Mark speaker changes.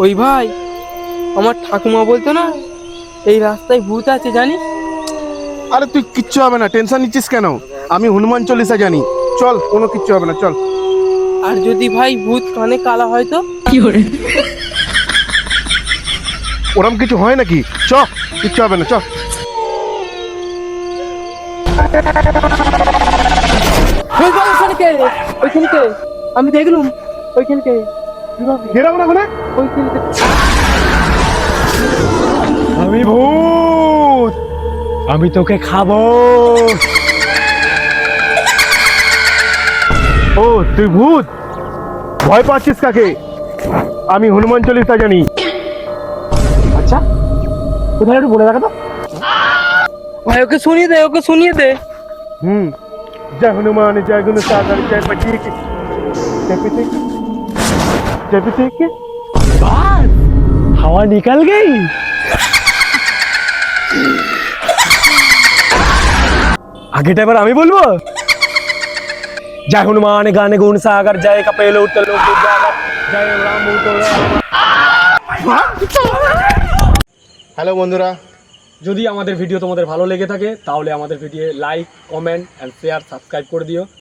Speaker 1: ওই ভাই, আমার ঠাকুমা বলতো না এই রাস্তায় ভূত আছে জানিস?
Speaker 2: আরে তুই কিচ্ছু হবে না, টেনশন নিচ্ছিস কেন? আমি হনুমান চল্লিশা জানি। চল, কোনো কিচ্ছু হবে না, চল।
Speaker 1: আর যদি ভাই ভূত কানে কালা হয় তো?
Speaker 2: ওরম কিছু হয় নাকি? চ, কিচ্ছু হবে না, চ।
Speaker 1: ওই ভাই, ওখানে কে? ওইখানে কে? আমি দেখলুম ওইখানে কে।
Speaker 2: গেরাম না ওখানে।
Speaker 1: ওইখানে কে?
Speaker 2: আমি ভূত, আমি তোকে খাবো। ও তুই ভূত, ভয় পাচ্ছিস কাকে? আমি হনুমান চল্লিশা জানি।
Speaker 1: আচ্ছা, কোথায় একটু বলে দেখা তো ভাই। ওকে শুনিয়ে দে, ওকে শুনিয়ে দে।
Speaker 2: जय हनुमान जय गुण सागर जय पटीक जय पीछे जय पीछे। बस हवा निकल गई। আগেটা এবার আমি বলবো। জয় হনুমান গানে গুণ সাগর জয় কপিল উত্তল জয় রাম। হ্যালো বন্ধুরা, যদি আমাদের ভিডিও তোমাদের ভালো লেগে থাকে তাহলে আমাদের video like, comment and share, subscribe করে দিও।